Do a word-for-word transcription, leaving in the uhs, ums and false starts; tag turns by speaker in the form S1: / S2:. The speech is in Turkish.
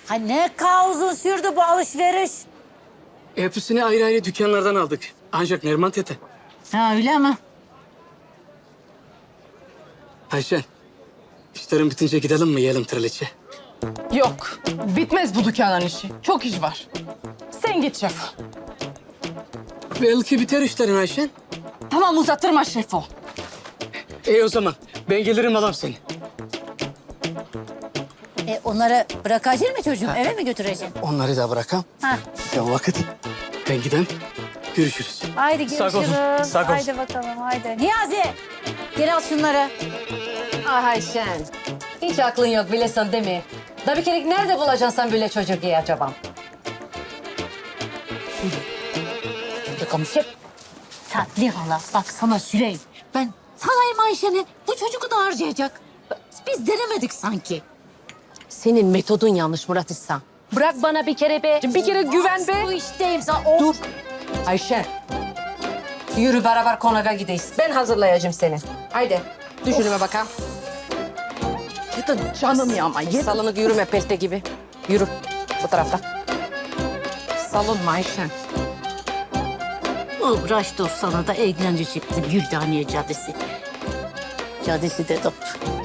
S1: Ha ne kadar uzun sürdü bu alışveriş?
S2: Hepsini ayrı ayrı dükkanlardan aldık. Ancak Neriman tete.
S1: Ha öyle mi?
S2: Ayşen, işlerin bitince gidelim mi yiyelim trileçe?
S3: Yok, bitmez bu dükkanın işi. Çok iş var. Sen git şef.
S2: Belki biter işlerin Ayşen.
S3: Tamam uzattırma şefo.
S2: İyi o zaman ben gelirim alam seni.
S1: E onları bırakacaksın mı çocuğum? Eve mi götüreceksin?
S2: Onları da bırakam.
S1: Ha.
S2: Ya vakit. Ben gidem. Görüşürüz.
S1: Haydi
S2: Sağ
S1: görüşürüz.
S2: olun, sağ olun.
S1: Haydi bakalım haydi. Niyazi geri al şunları.
S4: Ah Ayşen, hiç aklın yok bilesin değil mi? Da bir kere nerede bulacaksın sen böyle çocuk diye acaba?
S1: Hep tatlı hala. Bak sana Süleyman. Ben salayım Ayşe'ni. Bu çocuğu da harcayacak. Biz denemedik sanki.
S4: Senin metodun yanlış Murat İhsan. Bırak bana bir kere be. Bir kere güven be.
S1: Bu işteyim sana. O...
S4: Dur. Ayşe. Yürü beraber konağa gideyiz. Ben hazırlayacağım seni. Haydi. Düşünüme bakalım.
S3: Gidin canım ya ama yedin.
S4: Salınık yürüme pelte gibi. Yürü. Bu tarafta. Salınma Ayşe.
S1: Uğraş dur sana da eğlence çıktı. Güldaniye Caddesi. Caddesi de doktor.